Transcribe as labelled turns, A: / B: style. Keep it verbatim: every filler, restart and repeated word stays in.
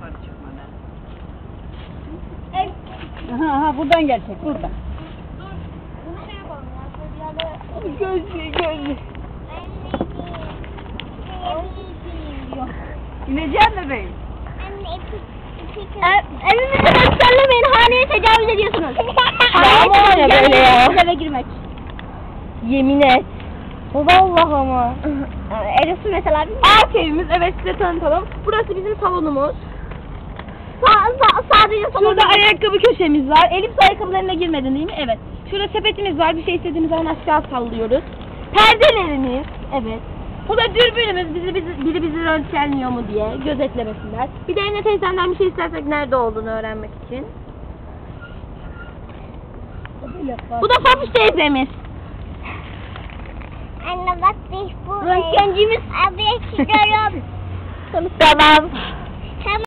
A: yukarı çıkmadan.
B: Aha, aha buradan gelecek buradan.
C: Bunu şey yapalım ya.
B: Gözlü gözlü.
A: İneceğim bebeğim.
C: Evimizi göstermeyin, haneye tecavüz ediyorsunuz.
B: Ama ya böyle ya.
C: Eve girmek.
B: Yemin et. Vallahi ama.
C: Eros'u mesela biz...
B: Arka evimiz, evet size tanıtalım. Burası bizim salonumuz.
C: Sa sa sadece salonda...
B: Şurada ayakkabı köşemiz var. Elif ayakkabılarına girmedin değil mi? Evet. Şurada sepetimiz var. Bir şey istediğimiz zaman aşağı sallıyoruz. Perdelerimiz. Evet. Bu da dürbünümüz. Bizi, bizi, biri bizi röntgenliyor mu diye gözetlemesinler. Bir de Emine teyzemden bir şey istersek nerede olduğunu öğrenmek için. Bu da Fafiş teyzemiz.
C: Anne bak biz bu...
B: Röntgencimiz.
C: Abi çıkarıyorum.
B: Tamam.